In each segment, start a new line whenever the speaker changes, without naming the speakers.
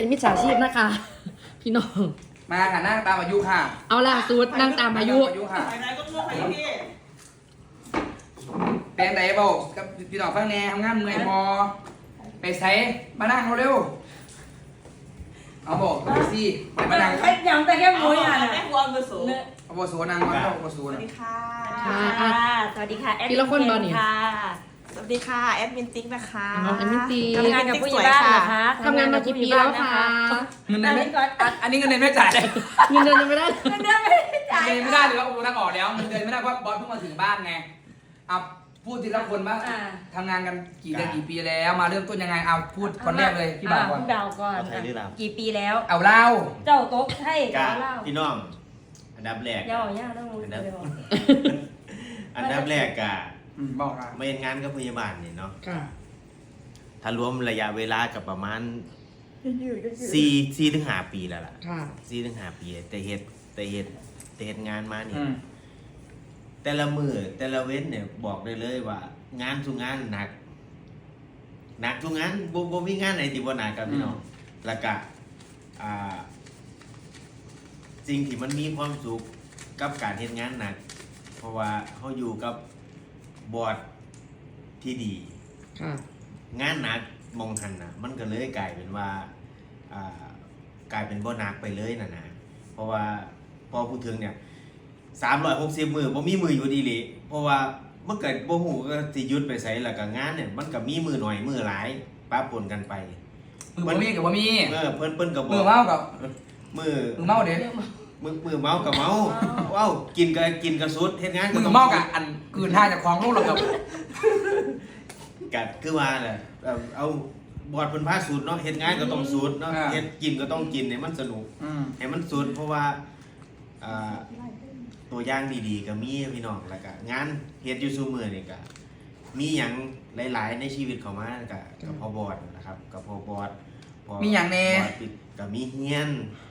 เป็นมิจฉาชีพนะคะ พี่น้อง
มาค่ะนั่งตามอายุค่ะ
เอาล่ะสูตรนั่งตามอายุ
ค่ะ
ไหนๆก็ต้องไปพี่
แปลงไหนบอกกับพี่น้องฟังแน่ทำงานเมื่อยพอไปใส่มานั่งเร็วๆเอาบอกไปสิมานั่ง
ไอ้ยังแต่แค่มุ้ยอ่ะ
แม่ครัวมือสูง
เอาบอสูนั่งมาเอาบอสู
สวัส
นะ
ดีค่ะ
สวัสดีค่ะแอด
พี่ละคนบอลนี่
ค่ะ
สวัสดีค่ะแอดมินติ๊กนะคะ
น้องแอมมินตี
ทำงานกับผู้ใหญ่บ้านนะคะ
ทำงานมากี่ปีแล้วคะ
เงินเดือนไม่อันนี้เงินเดือนไม่จ่ายเลย
เงินเดือนยังไม่ได้
เงินเดือนไม่ได้จ่าย
เงินเดือนไม่ได้เลยว่าโอ้นั่งออกแล้วเงินเดือนไม่ได้เพราะบอสเพิ่งมาถึงบ้านไงเอาพูดทีละคนว่าทำงานกันกี่เดือนกี่ปีแล้วมาเริ่มต้นยังไงเอาพูดคนแรกเลยพี่บ่าวก่อน
พี่บ่าวก่อน
ใครหรือเรา
กี่ปีแล้ว
เอาเล่า
เจ้าโต๊ะให้
กะ
เล่า
พี่น้องอันดับแรก
ย่อย่าต้องรู้เดี๋ยว
อันดับแรกกะ
บอกค่ะ
ไม่เห็นงานกับพยาบาลนี่เนาะ
ค่ะ
ถ้ารวมระยะเวลากับประมาณ4 ถึง 5 ปีแล้วล่ะ
ค่ะ
4 ถึง 5 ปีแต่เฮ็ดงานมานี่
อืม
แต่ละมือแต่ละเว้นเนี่ยบอกได้เลยว่า งานทุกงานหนักทุกงานบ่มีงานไหนที่บ่หนักกับพี่น้องแล้วก็อ่าสิ่งที่มันมีความสุขกับการเฮ็ดงานหนัก เพราะว่าเขาอยู่กับบอร์ดที่ดี
ค่ะ
งานหนักมองหันนะมันก็เลยกลายเป็นว่ากลายเป็นบ่หนักไปเลยนะเพราะว่าพอพูดถึงเนี่ย360 มือบ่มีมืออยู่ดีเลยเพราะว่ามันเกิดบ่ฮู้ก็สิหยุดไปไสแล้วก็งานเนี่ยมันก็มีมือหน่อยมือหลายปะปนกันไป
มือบ่มีกับบ่มี
เพิ่นก็บ
มื
อ
อก เมากับ
มือ
มือเมาเด็ด
มือเมากับเมาว้าวกินก็สุดเฮ็ดงาน
มือ
ต้อง
เมากับอันกืนท่าจากคลองลูกเรากับ
กัดคือว่าแหละเอาบอดเพิ่นพาสูตรเนาะเฮ็ดงานก็ต้องสูตรเนาะเฮ็ดกินก็ต้องกินให้มันสนุก ให้มันสุดเพราะว่าตัวอย่างดีๆก็มีพี่น้องแล้วก็งานเฮ็ดอยู่ซุมื้อนี่ก็มีหยังหลายๆในชีวิตเข้ามากับพอบอดนะครับกับพอบอดพอ
มีหยังแน่
บอดปิดก็มีเฮียน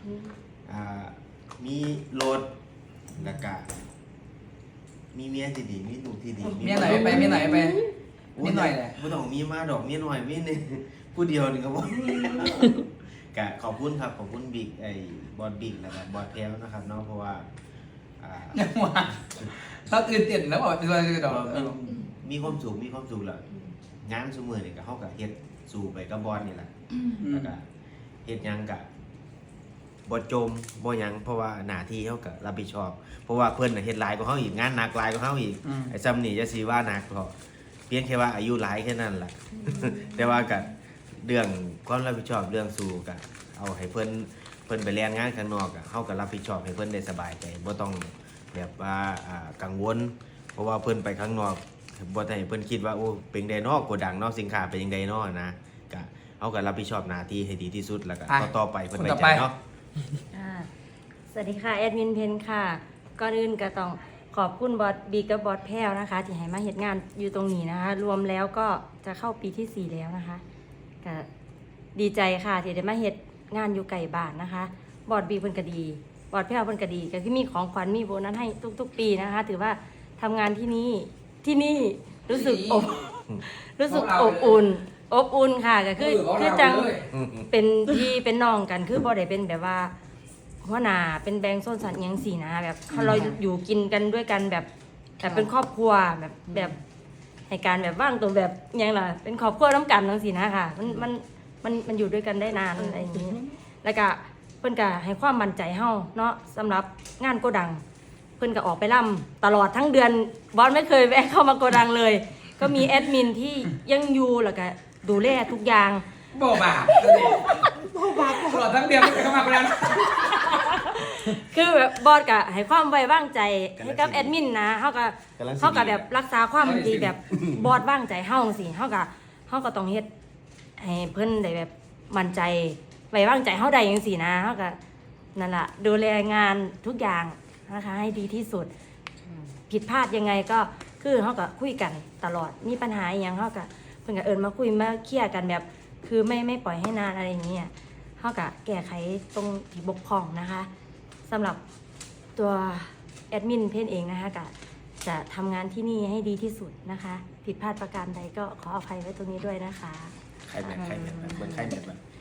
มีรถแล้วก็มีเมียที่ดีมีลูกที่ดี
เมียไหนไปเมียไหนไปนิดหน่อยแหละ
บ่ต้องมีมาดอกเมียน้อยมีนี่ผู้เดียวนี่ก็บ่ ก็ขอบคุณครับขอบคุณบิ๊กไอ้บอดบิ๊กแล้วก็บอดแพลวนะครับเนาะเพราะว่า
ยังว่าเราตื่นเต้นแล้วบอกตัวดอก
มีความสุขแล้วงานซุมื้อนี่ก็เฮาก็เฮ็ดสู่ไปกับบอดนี่แหละแล้วก็เฮ็ดหยังก็บ่จมบ่หยังเพราะว่าหน้าที่เฮาก็รับผิดชอบ เพราะว่าเพิ่นน่ะเฮ็ดหลายกว่าเฮาอีกงานหนักหลายกว่าเฮาอีกไอ้ซ้ำนี่จะสิว่าหนักเพราะเพียงแค่ว่าอายุหลายแค่นั้นล่ะ แต่ว่าก็เรื่องความรับผิดชอบเรื่องสู่ก็เอาให้เพิ่นไปเรียนงานข้างนอกอ่ะเฮาก็รับผิดชอบให้เพิ่นได้สบายใจบ่ต้องแบบว่ากังวลเพราะว่าเพิ่นไปข้างนอกบ่ได้ให้เพิ่นคิดว่าโอ้เป็นไดเนาะโกดังเนาะสินค้าเป็นจังไดเนาะนะก็เฮาก็รับผิดชอบหน้าที่ให้ดีที่สุดแล้วก็ต่อไปเพิ่นไว้ใจเนาะ
สวัสดีค่ะแอดมินเพนค่ะก่อนอื่นก็ต้องขอบคุณบอสบีกับบอสแพลวนะคะที่ให้มาเฮ็ดงานอยู่ตรงนี้นะคะรวมแล้วก็จะเข้าปีที่ 4 แล้วนะคะก็ดีใจค่ะที่ได้มาเฮ็ดงานอยู่ไกลบ้านนะคะบอสบีเพิ่นก็ดีบอสแพลวเพิ่นก็ดีก็คือมีของขวัญมีโบนัสให้ทุกๆปีนะคะ ถือว่าทำงานที่นี่รู้สึกอบอุ่นค่ะก็คือจังเป็นพี่เป็นน้องกันคือบ่ได้เป็นแบบว่าหัวหน้าเป็นแบงค์โซนสัตว์ยังสี่นะแบบเราอยู่กินกันด้วยกันแบบเป็นครอบครัวแบบให้การแบบว่างตัวแบบยังล่ะเป็นครอบครัวน้ำกันทั้งสี่นะค่ะมันอยู่ด้วยกันได้นานอะไรอย่างนี้แล้วก็เพิ่นก็ให้ความมั่นใจเฮาเนาะสำหรับงานโกดังเพิ่นก็ออกไปล่ำตลอดทั้งเดือนบอสไม่เคยแวะเข้ามาโกดังเลย ก็มีแอดมินที่ยังอยู่แล้วก็ดูแลทุกอย่าง
โบบาตลอดทั้งเดือนเข้ามาแล้ว
คือแบบบอสก็ให้ความไว้วางใจให้กับแอดมินนะเขาก็แบบรักษาความดีแบบบอสวางใจเฮาสิเขาก็ต้องเฮ็ดให้เพิ่นได้แบบมั่นใจไว้วางใจเฮาได้จังซี่นะเขาก็นั่นล่ะดูแลงานทุกอย่างนะคะให้ดีที่สุดผิดพลาดยังไงก็คือเขาก็คุยกันตลอดมีปัญหาอีหยังเขาก็เพิ่นก็เอิ้นมาคุยมาเคลียร์กันแบบคือไม่ปล่อยให้นานอะไรอย่างเงี้ยเขาก็แก้ไขตรงที่บกพร่องนะคะสำหรับตัวแอดมินเพนเองนะคะก็จะทำงานที่นี่ให้ดีที่สุดนะคะ ผิดพลาดประการใดก็ขออภัยไว้ตรงนี้ด้วยนะคะ
ใครแม่นเหมือนใครแม่น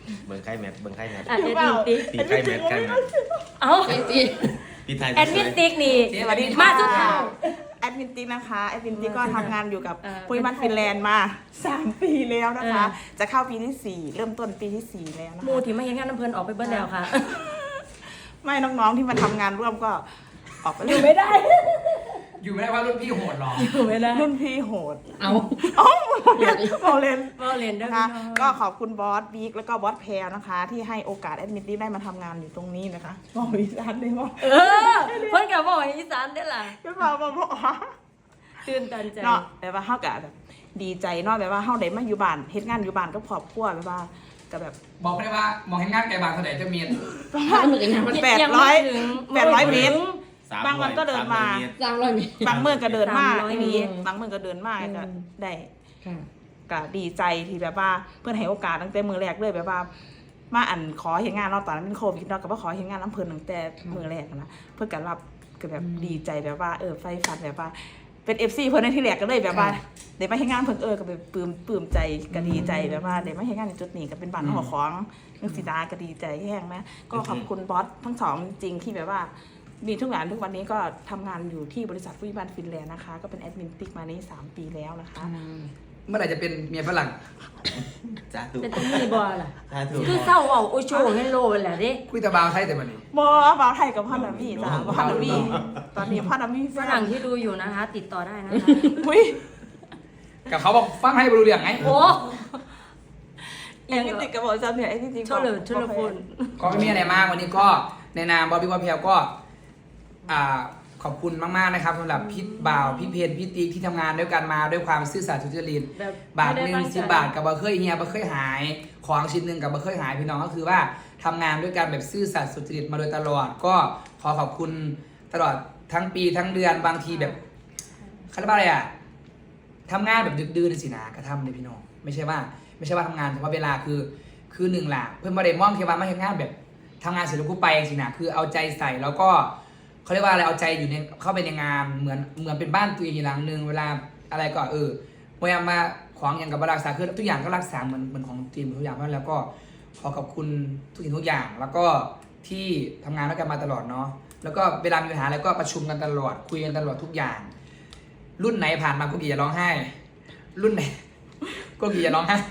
เบิ่งไข่แมทเบิ่งไข่แมท
อ่ะแอดมินติ๊ก
ตีไข่แมทไข่แมท
เอ้า
เจ๊จี
พี่ไทย
แอดมินติ๊กนี่
สวัสดี
มา
ค่ะ
ทุกข่าว
แอดมินติ๊กนะคะแอดมินติ๊กก็ทำงานอยู่กับ
เออ
ปุ้ยบ้านฟินแลนด์มา 3 ปีแล้วนะคะ
เออ
จะเข้าปีที่ 4 เริ่มต้นปีที่ 4 แล้วนะ
หมู่
คะ
ที่มาเฮ็ดงานน้ำเพิ่นออกไปเบิดแล้วค่ะ
ไม่น้องๆที่มาทำงานร่วมก็ออกไป
อยู่ไม่ได้
อยู่ไม่ได้ว่ารุ่นพี่โหดหรอ
อยู่ไม่ได้
รุ่นพี่โหด
เอา
โอ้โมเลน
บ่เล่นเด้อ
นะคะ
พี่น้อง
ก็ขอบคุณบอสบิ๊กแล้วก็บอสแพรนะคะ ที่ให้โอกาสแอดมินติ๊กได้มาทำงานอยู่ตรงนี้นะคะบอกอีสานได้ไหม
เออเพิ่นก็บอกอีสานได้อล่ะ
ไม่บอกบอก
ตื่นตันใจ
เนาะแบบว่าเฮาก็แบบดีใจเนาะแบบว่าเฮาได้มาอยู่บ้านเฮ็ดงานอยู่บ้านกับครอบครัวแบบว่าก็แบบ
บอกไม่ได้ว่ามองให้งานไกลบางเท่าไหร่จะมี
ถ้าเหมือนกันนะมัน
800
ยังไม่ถึง
800 เมตร
300
บางวันก็เดินมา
สามร้อยเมตร
บางมื้อก็เดินมา
300
ไอ้นี่
เมตร
บางมื้อก็เดินมาก็ได้
ค่ะ
ก็ดีใจที่แบบว่าเพิ่นให้โอกาสตั้งแต่มื้อแรกเลยแบบว่า มาอันขอเฮ็ดงานเนาะตอนนั้นเป็นโควิดเนาะก็บ่ขอเฮ็ดงานน้ำเพิ่นตั้งแต่มื้อแรกนะเพิ่นก็รับก็แบบดีใจแบบว่าไฟฟันแบบว่าเป็น FC เพิ่นในที่แรกก็เลยแบบว่าได้มาเฮ็ดงานเพิ่นก็แบบปลื้มใจก็ดีใจแบบว่าได้มาเฮ็ดงานในจุดนี้ก็เป็นบ้านของของนึกสิดาก็ดีใจแห้งแม่ก็ขอบคุณบอสทั้งสองจริงที่แบบว่า มีทุกอย่างทุกวันนี้ก็ทำงานอยู่ที่บริษัทฟู้ดบ้านฟินแลนด์นะคะ ก็เป็นแอดมินติ๊กมานี่3 ปีแล้วนะคะ
เมื่อไหร่จะเป็นเมียฝรั่ง
จ้าถูก
เป็นมีบ่ล่ะ
จ้าถูก
คือเศร้าเอาโอโชว์เฮลโลแหละเด้
คุยแตะบาวไทยแต่วันนี้
บอบ่าวไทยกับพ่อนามี่จ้ะพ่อนามี่ตอนนี้พ่อนามี่
ฝรั่งที่ดูอยู่นะคะ ติดต่อได้นะคะ
อุ้ย
กับเขาบอกฟังให้บรู้เรื่องไง
โอ้
แอดมินติ๊กกับบอกจำเนี่ยไอ้จริงๆ
โทษเลยโทษเลยคุณ
ก็ไม่มีอะไรมากวันนี้ก็ในนามบอบบี้บอเพลก็ขอบคุณมากๆนะครับสำหรับพี่บ่าวพี่เพนพี่ติ๊กที่ทำงานด้วยกันมาด้วยความซื่อสัตย์สุจริต
แบบ
บาทหนึ่ง
ไม่ได้ตั้งใจ
10 บาทกับบะเคยเฮียบะเคยหายของชิ้นหนึ่งกับบะเคยหายพี่น้องก็คือว่าทำงานด้วยกันแบบซื่อสัตย์สุจริตมาโดยตลอด ก็ขอขอบคุณตลอดทั้งปีทั้งเดือนบางทีแบบเขาเรียกว่าอะไรอ่ะทำงานแบบดึกดื่นสินะก็ทำเลยพี่น้องไม่ใช่ว่าทำงานเฉพาะเวลาคือหนึ่งหลักเพื่อนบริมองเทวามาทำงานแบบทำงานเสร็จแล้วกูไปสินะคือเอาใจใส่แล้วก็เขาเรียกว่าอะไรเอาใจอยู่ในเข้าไปในงานเหมือนเป็นบ้านตัวเองอีกหลังนึงเวลาอะไรก็พยายามมาของอย่างกับบรักษาคือทุกอย่างก็รักษาเหมือนของทีมทุกอย่างเพราะแล้วก็ขอขอบคุณทุกสิ่งทุกอย่าง แล้วก็ที่ทำงานด้วยกันมาตลอดเนาะแล้วก็เวลามีปัญหาอะไรก็ประชุมกันตลอดคุยกันตลอดทุกอย่าง รุ่นไหนผ่านมาก็กี่จะร้องไห้ รุ่นไหนก็กี่จะร้องไห้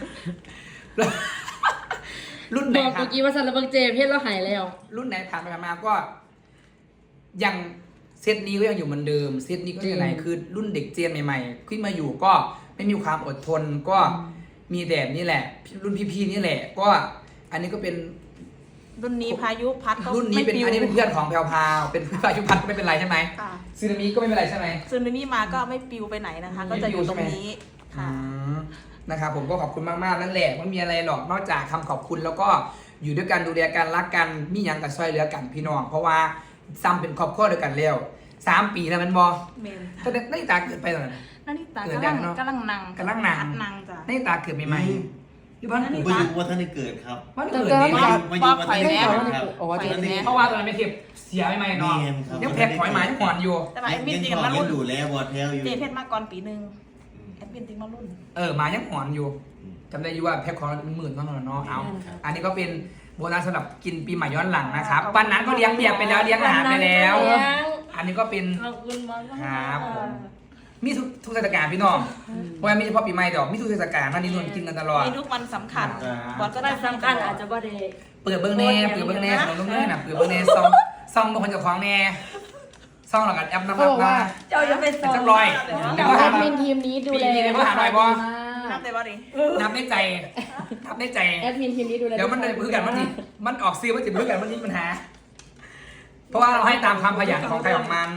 รุ่นไหน
บอก
ผ่า
เมื่
น
อกี้ว่าซันระเบิงเจเพศเราหายแล้ว
รุ่นไหนผ่านไปผ่านมาก็ยังเซตนี้ก็ยังอยู่เหมือนเดิมเซตนี้ก็ยังไงคือรุ่นเด็กเจนใหม่ๆขึ้นมาอยู่ก็ไม่มีความอดทนก็มีแบบนี้แหละ รุ่นพี่ๆนี่แหละ ก็อันนี้ก็เป็น
รุ่นนี้พายุพัดก็
รุ่นนี้เป็น
ไม่ปลิว
อันนี้เป็นเพื่อนของแพรวพราวเป็นพายุพัดก็ไม่เป็นไรใช่ไหม
ค่ะ
ซึนามิก็ไม่เป็นไรใช่ไหม
ซึนามิมาก็ไม่ปลิวไปไหนนะคะ ก็จะอยู่ตรงนี้ค่ะ
นะครับผมก็ขอบคุณมากๆนั่นแหละไม่มีอะไรหรอกนอกจากคำขอบคุณแล้วก็อยู่ด้วยกันดูแลกันรักกันมีหยังกับซอยเหลือกันพี่น้องเพราะว่าซ้ำเป็นครอบครัวด้วยกันแล้ว3 ปีแล้วมันบอ
เมน
ถ้าได้ตาเกิดไปตอนนั้น
นาฬิตา
เกิด
กำ
ยั
ลั
ง
ง
เนอะ
กำลังนั่ง
กำลังนั่ง
พัดนั่งจ้ะ
ได้ตาเกิดใหม่ๆอยู่บ้าน
นั่น
กู
นี่
มาอยู่ว่าท่านได้เกิดครับ
บ้านเกิดนี่
บ
มาอยู่ว่าท่านได้เกิดครับ
อ๋อเจ็ด
เพราะว่าตอนนั้นไม่เทียบเสียใหม่ๆเนาะ
แม่นครับ
ยังแพ็คหอยหมายหอนอยู่
แต่ว่าแอดมิน
ยัง
ติ๊ก
ชอบ
มา
ยั
รุ่
ง
น
ดูแลบอดแทลอยู่
เจเพชรมาก่อนปีหนึงแอดมินติ๊กมารุ่น
หมายังหอนอยู่จำได้อยู่ว่าแพ็คของเป็นหมื่นเท่านั้นเนาะเอาอันนี้ก็เป็นโบนัสสำหรับกินปีใหม่ย้อนหลังนะครับวันนั้นก็เลี้ยงเบียร์ไปแล้วเลี้ยงอาหารไปแล้ว อันนี้ก็เป็น
ขอบคุณมาก
ครับผม มีทุกเทศกาลพี่น้องเพราะว่าไม่เฉพาะปีใหม่แต่มีทุกเทศกาลนั่นนี่นู่นกินกันตลอด
มีทุกวันสำคัญ บอสก็
ก็
จะ
สำคัญอาจจะบ่ได้
เปิดเบิ้งแน่เปิดเบิ้งแน่ของลุงเน่น่ะเปิดเบิ้งแน่ซองบางคนจะคล้องแน่ซองหลังกันแอปน้ำ
เขาบอกว่า
เจ้าอย่าไปสอน
จักรอย
แต่ว่าแอดมินทีมนี้ดูแล
ปีนี้มาหาหน่อยบ่
นับได้บ่ดิ
นับได้ใจนับได้ใจ
แอดมินทีมนี้ดูแล
เดี๋ยวมันพื้นกันมันออกซื้อมันจะพื้นกันมันมีปัญหา เพราะว่าเราให้ตามความขยันของใครของมัน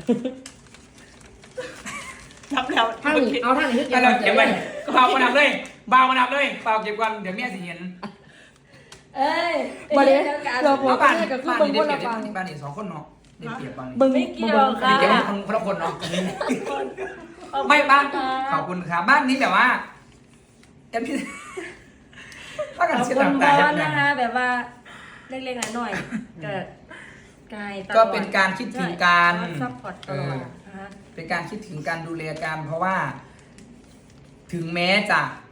นับแล้ว
ท่านนี่เอาท่านนี่
ถ้าเราเก็บไว้เบามานับเลยเบามานับเลยเบาเก็บกันเดี๋ยวแม่สิเห็น
เอ้ย
บริเวณเราบ
เอา
อก
บ้าน
นี่ก็คือ
บ้าน
เบิ้ง
นี่
บ
ได้
น
เปรี
เรา
ยบ
ฟัง
บ้านนี่2 คนเนาะได้เปรียบบ้านนี่
เบิ้ง
ไม่เกี่ยว
อัน
ค่ะ
นี้เก็บคนละคนเนาะไม่บ้านขอบคุณครับบ้านนี้แบบว่าแอมพี่ว่า
ข
กัน
อบ
เช็ด
คุณ
น้ำ
บ
ตา
อ
เห็
ส
น
นะคะ แบบว่าเล็กๆน้อยๆก็กายตลอด
ก็เป็นการคิดถึงกัน
ซัพพอร์ตตลอดนะคะ
เป็นการคิดถึงการดูแลกันเพราะว่า ถึงแม้จะ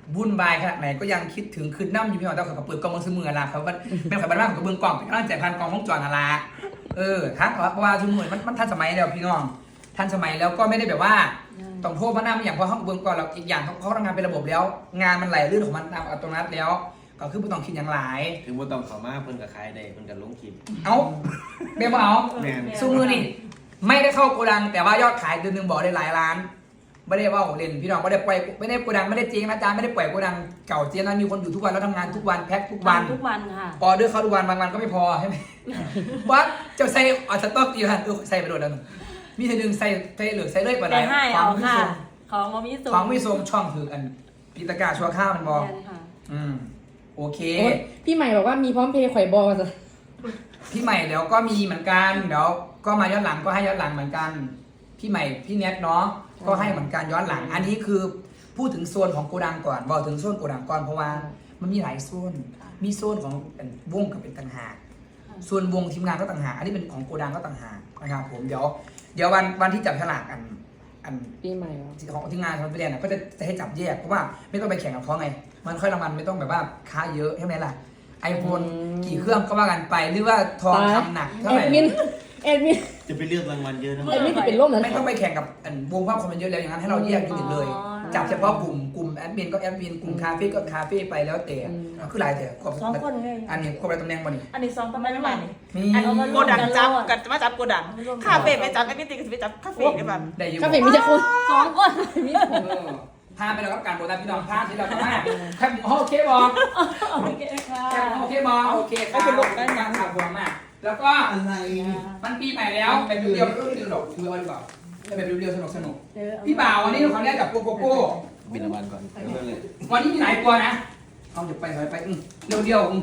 วุ่นวายขนาดไหนก็ยังคิดถึงคืนน้ำอยู่พี่น้องแต่เขาเปิดกล้องมือซื้อมือละเขาเป็นข่อยบ้านของกับเบื้องกล้องเป็นกำลังใจพันกล้องห้องจอนาราทักเพราะว่าทุกมือมันทันสมัยแล้วพี่น้องทันสมัยแล้วก็ไม่ได้แบบว่าต้องโทษพระนามอย่างเพราะห้องเบื้องก่อนเราอีกอย่างเขาทำงานเป็นระบบแล้ว งานมันไหลลื่นของมันตามอัตโนมัติแล้วก็คือไม่ต้องคิดอย่างหลาย
ถึงบ่ต้องเข้ามาเพิ่นก็ขายได้เพิ่นก็ลงคลิป
เอาเบลเอา
แม่น
สู้มือนี่ไม่ได้เข้าโกดังแต่ว่ายอดขายเดือนหนึ่งบอกได้หลายล้านไม่ได้ว่าเล่นพี่น้องไม่ได้ปล่อยไม่ได้โกดังไม่ได้เจ๊งนะจ๊ะไม่ได้ปล่อยโกดังเก่าเจ๊งนะมีคนอยู่ทุกวันแล้วทำงานทุกวันแพ็คทุกวัน
ทุกวันค่ะ
ออเดอร์เข้าทุกวันบางวันก็ไม่พอใช่ไหม วัดจะใส่อัดสต๊อกตีหันใส่ไปโดดแล้วมีเธอหนึ่งใส่เหลือใส่เลยปะ
แต่ให้เอาค่ะ
ข
ของมามีสู
องไม่ทรงช่องถืออันพิตากาชัวข้าวมันบอก
ค่ะ
โอเค
โอ๊ยพี่ใหม่บอกว่ามีพร้อมเพย์ข่อยบอส
พี่ใหม่เดี๋ยวก็มีเหมือนกันเดี๋ยวก็มาย้อนหลังก็ให้ย้อนหลังเหมือนกันพี่ใหม่พี่เน็ตเนาะก็ให้เหมือนกันย้อนหลัง อันนี้คือพูดถึงโซนของโกดังก่อนบอกถึงโซนโกดังก่อนเพราะว่ามันมีหลายโซนมีโซนของวงกับเป็นต่างหากส่วนวงทีมงานก็ต่างหากอันนี้เป็นของโกดังก็ต่างหากนะครับผมเดี๋ยววันที่จับฉลากอัน
ปีใหม่เหรอ
ของทีมงานของไปเรียนก็จะให้จับแยกเพราะว่าไม่ต้องไปแข่งกับเขาไงมันค่อยรางวัลไม่ต้องแบบว่าค่าเยอะใช่ไหมล่ะไอโฟนกี่เครื่องก็ว่ากันไปหรือว่าทองคำหนักเท่า
แอ
ไหร่
ดมินแอดมิน
จะไปเลือกรางวัลเยอะนะ
แอดมินจะเป็นร่มแล้ว
ไม่ต้องไปแข่งกับวงภาพคนมันเยอะแล้วอย่างนั้นให้เราแยกยูนิตเลย จับเฉพาะกลุ่มแอดมินก็แอดมินกลุ่มคาเฟ่ก็คาเฟ่ไปแล้วแต่คือหลายแต่ครบ
2 คนเลย
อันนี้ครบอะไรตำแหน่งบ่นี่
อันนี้2ตำแหน่งมานี่
มี
โกดังจับกันมาจับโกดังคาเฟ่ไปจับไอ้นี่ติก็สิไปจับคาเฟ่ได้บ้าง
ได้อยู่
คาเฟ่มีแต่คน
2 คน
มีแต่คน
พาไปแล้วกับการโบราณพี่น้องพาที่เราทำมาแค่โอเคบอ
โอเคค่ะ
แค่โอเคบอโอเคครับได้งานข่าวบวมมากแล้วก็
อะไร
มันปีใหม่แล้วแบบเดียวๆก็ไม่หรอกคือว่าดีกว่าแบบเดียวๆสนุกพี่บ่าววันนี้เราขอแรกกับโกโก้
บินรางวัลก่อนเริ่มเลย
วันนี้มีหลายตัวนะเอาเดี๋ยวไปเร็วๆ